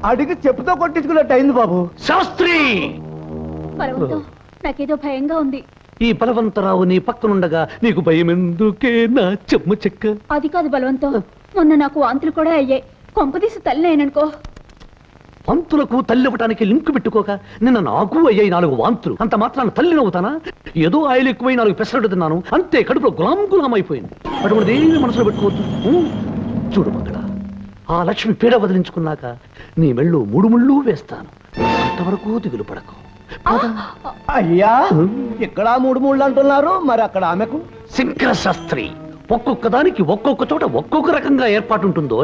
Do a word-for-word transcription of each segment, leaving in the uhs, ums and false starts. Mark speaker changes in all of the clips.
Speaker 1: అడిగి చెప్పుతో కొట్టించుకున్నట్టు అయింది బాబు.
Speaker 2: శాస్త్రి,
Speaker 3: నాకేదో భయంగా ఉంది.
Speaker 2: ఈ బలవంతరావు నీ పక్కనుండగా నీకు భయం ఎందుకే నా చెమ్మ చెక్క?
Speaker 3: అది కాదు బలవంతం, మొన్న నాకు వాంతులు కూడా అయ్యాయి. కొంపదీసి తల్లి అయిననుకో.
Speaker 2: వాంతులకు తల్లి ఇవ్వటానికి లింకు పెట్టుకోక నిన్న నాకు అయ్యాయి నాలుగు వాంతులు. అంత మాత్రాన తల్లి నవ్వుతానా? ఏదో ఆయిల్ ఎక్కువై నాలుగు పెసరట్టు తిన్నాను అంతే, కడుపులో గులాం గులాం అయిపోయింది. అటువంటి ఏమి మనసులో పెట్టుకోవద్దు. చూడు మగడ, ఆ లక్ష్మి పీడ వదిలించుకున్నాక నీ మెళ్ళు మూడు ముళ్ళు వేస్తాను. అంతవరకు దిగులు పడకు.
Speaker 1: అయ్యా, ఇక్కడ మూడు మూడు అంటున్నారు, మరి అక్కడ ఆమెకు?
Speaker 2: శంకర శాస్త్రి, ఒక్కొక్క దానికి ఒక్కొక్క చోట ఒక్కొక్క రకంగా ఏర్పాటు ఉంటుందో.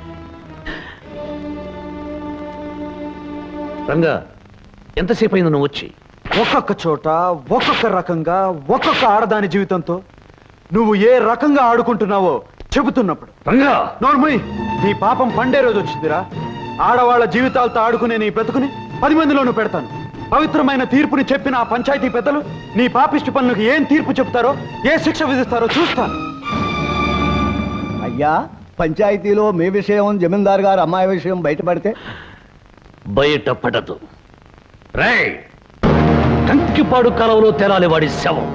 Speaker 2: రంగా, ఎంతసేపు అయింది నువ్వు వచ్చి?
Speaker 4: ఒక్కొక్క చోట ఒక్కొక్క రకంగా ఒక్కొక్క ఆడదాని జీవితంతో నువ్వు ఏ రకంగా ఆడుకుంటున్నావో చెబుతున్నప్పుడు.
Speaker 2: రంగా
Speaker 4: నోర్మయ్, నీ పాపం పండే రోజు వచ్చిందిరా. ఆడవాళ్ల జీవితాలతో ఆడుకునే నీ బ్రతుకుని పది మందిలోనూ పెడతాను. పవిత్రమైన తీర్పుని చెప్పిన ఆ పంచాయతీ పెద్దలు నీ పాపిష్టి పనులకు ఏం తీర్పు చెప్తారో, ఏ శిక్ష విధిస్తారో చూస్తాను.
Speaker 1: అయ్యా, పంచాయతీలో మీ విషయం, జమీందారు గారు అమ్మాయి విషయం బయటపడితే?
Speaker 2: బయట పడదు. రేయ్, కంకిపాడు కాలంలో తేలాలి వాడి శవం.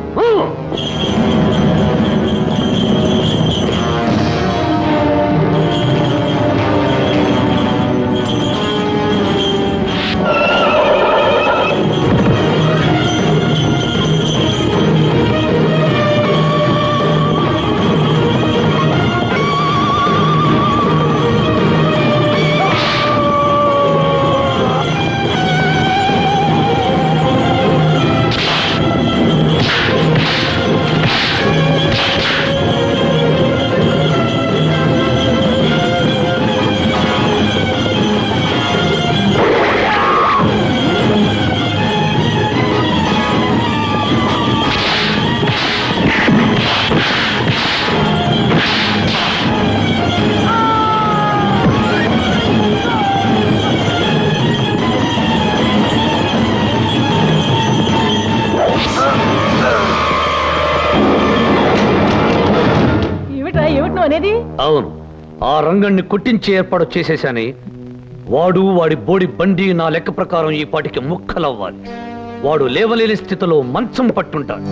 Speaker 2: అవును, ఆ రంగణ్ణి కొట్టించే ఏర్పాటు చేసేశాని. వాడు వాడి బోడి బండి నా లెక్క ప్రకారం ఈ పాటికి ముక్కలవ్వాలి. వాడు లేవలేని స్థితిలో మంచం పట్టుంటాడు.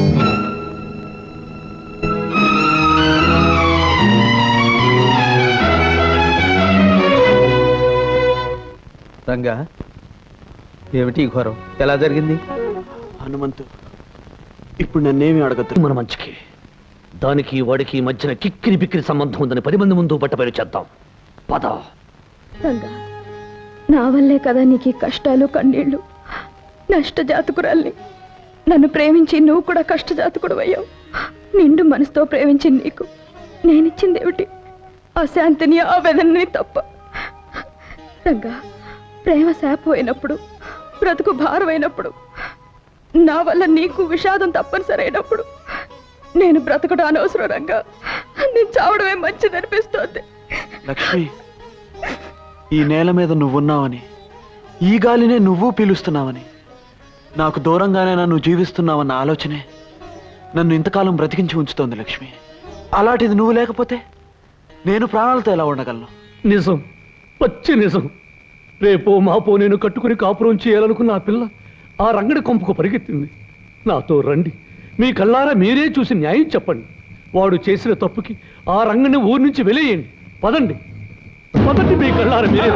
Speaker 5: రంగా, ఏమిటి ఘోరం? ఎలా జరిగింది?
Speaker 4: హనుమంతు, ఇప్పుడు నన్నేమి అడగద్దు.
Speaker 2: మన మంచికి దానికి వాడికి మధ్యన కిక్కిరి బిక్కిరి సంబంధం ఉందని పది మంది ముందు బట్టబయలు చేద్దాం. పద.
Speaker 3: రంగా, నా వల్లే కదా నీకు కష్టాలు కన్నీళ్లు. నష్టజాతకురాల్ని. నన్ను ప్రేమించి నువ్వు కూడా కష్టజాతకుడు అయ్యావు. నిండు మనసుతో ప్రేమించి నీకు నేనిచ్చింది ఏమిటి? ఆ శాంతిని, ఆ వేదనని తప్ప. రంగా, ప్రేమ శాపమైనప్పుడు, బ్రతుకు భారమైనప్పుడు, నా వల్ల నీకు విషాదం తప్పనిసరైనప్పుడు నేను బ్రతకడం అనవసరం రంగా. నేను చావడమే మంచిది అనిపిస్తోంది.
Speaker 4: లక్ష్మి, ఈ నేల మీద నువ్వున్నావని, ఈ గాలినే నువ్వు పీలుస్తున్నావని, నాకు దూరంగానే నన్ను జీవిస్తున్నావన్న ఆలోచనే నన్ను ఇంతకాలం బ్రతికించి ఉంచుతోంది లక్ష్మి. అలాంటిది నువ్వు లేకపోతే నేను ప్రాణాలతో ఎలా ఉండగలను?
Speaker 2: నిజం, పచ్చి నిజం. రేపో మాపో నేను కట్టుకుని కాపురం చేయాలనుకున్న ఆ పిల్ల ఆ రంగడి కొంపకు పరిగెత్తింది. నాతో రండి, మీ కళ్ళారా మీరే చూసి న్యాయం చెప్పండి. వాడు చేసిన తప్పుకి ఆ రంగని ఊరి నుంచి వెలేయండి. పదండి, పదండి, మీ కళ్ళారా మీరే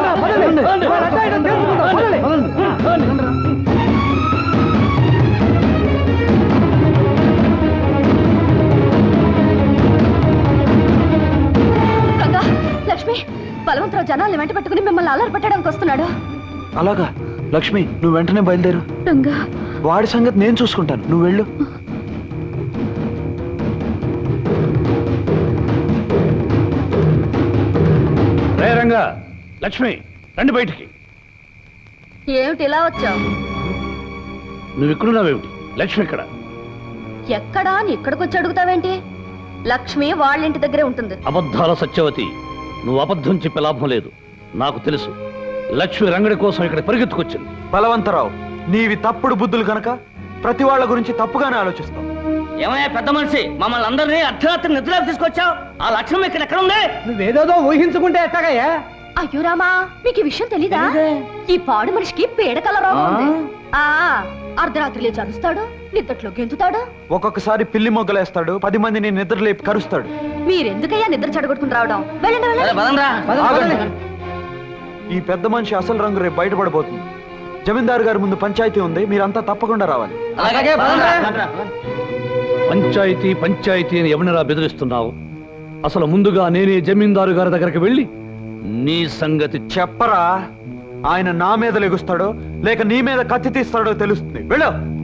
Speaker 3: లక్ష్మి, బలవంతరావు జనాల్ని వెంట పెట్టుకుని మిమ్మల్ని అల్లరి పెట్టడానికి వస్తున్నాడు.
Speaker 4: అలాగా? లక్ష్మి, నువ్వు వెంటనే బయలుదేరు.
Speaker 3: రంగా,
Speaker 4: వాడి సంగతి నేను చూసుకుంటాను, నువ్వు వెళ్ళు.
Speaker 2: రే రంగా, లక్ష్మి, రండి బయటికి.
Speaker 3: ఏమిటి ఇలా వచ్చావు?
Speaker 2: నువ్వు ఇక్కడున్నావేమిటి? లక్ష్మి ఎక్కడ?
Speaker 3: ఎక్కడా అని ఇక్కడికి వచ్చి అడుగుతావేంటి? లక్ష్మి వాళ్ళింటి దగ్గరే ఉంటుంది.
Speaker 2: అబద్ధాల సత్యవతి, నువ్వు అబద్ధం చెప్పే లాభం లేదు. నాకు తెలుసు, లక్ష్మి రంగడి కోసం ఇక్కడ పరిగెత్తుకొచ్చింది.
Speaker 4: బలవంతరావు, నీవి తప్పుడు బుద్ధులు కనుక ప్రతి వాళ్ళ గురించి తప్పుగానే ఆలోచిస్తావు.
Speaker 6: ఏమయ్యా పెద్ద మనిషి, మమ్మల్ని అందరినీ అర్ధరాత్రి నిద్రలోకి తీసుకొచ్చావు. ఆ లక్ష్యం ఇక్కడ ఎక్కడ ఉంది?
Speaker 1: నువ్వేదో ఊహించుకుంటే ఎట్టాగయ్యా?
Speaker 3: అయ్యో రామా మీకు ఈ విషయం తెలీదా? ఈ పాడు మనిషికి పీడకల రోగం ఉంది. ఆ అర్ధరాత్రి లేచి అరుస్తాడు, నిద్దట్లో గెంతుతాడు.
Speaker 4: ఒక్కొక్కసారి పిల్లి మొగ్గలేస్తాడు, పది మందిని నిద్ర లేపి కరుస్తాడు.
Speaker 3: మీరెందుకయ్యా నిద్ర చెడగొట్టుకుని రావడం? వెళ్ళండి వెళ్ళండి.
Speaker 6: పదండ్రా.
Speaker 4: ఆగండి. ఈ పెద్ద మనిషి అసలు రంగు రేపు బయటపడబోతుంది. జమీందారు గారి ముందు పంచాయతీ ఉంది, మీరంతా తప్పకుండా రావాలి.
Speaker 6: అలాగే పదండ్రా.
Speaker 2: పంచాయతీ పంచాయతీ అని ఎవరినరా బెదిరిస్తున్నావు? అసలు ముందుగా నేనే జమీందారు గారి దగ్గరికి వెళ్ళి నీ సంగతి
Speaker 4: చెప్పరా, ఆయన నా మీద లెగుస్తాడో లేక నీ మీద కత్తి తీస్తాడో తెలుస్తుంది. వెళ్ళు.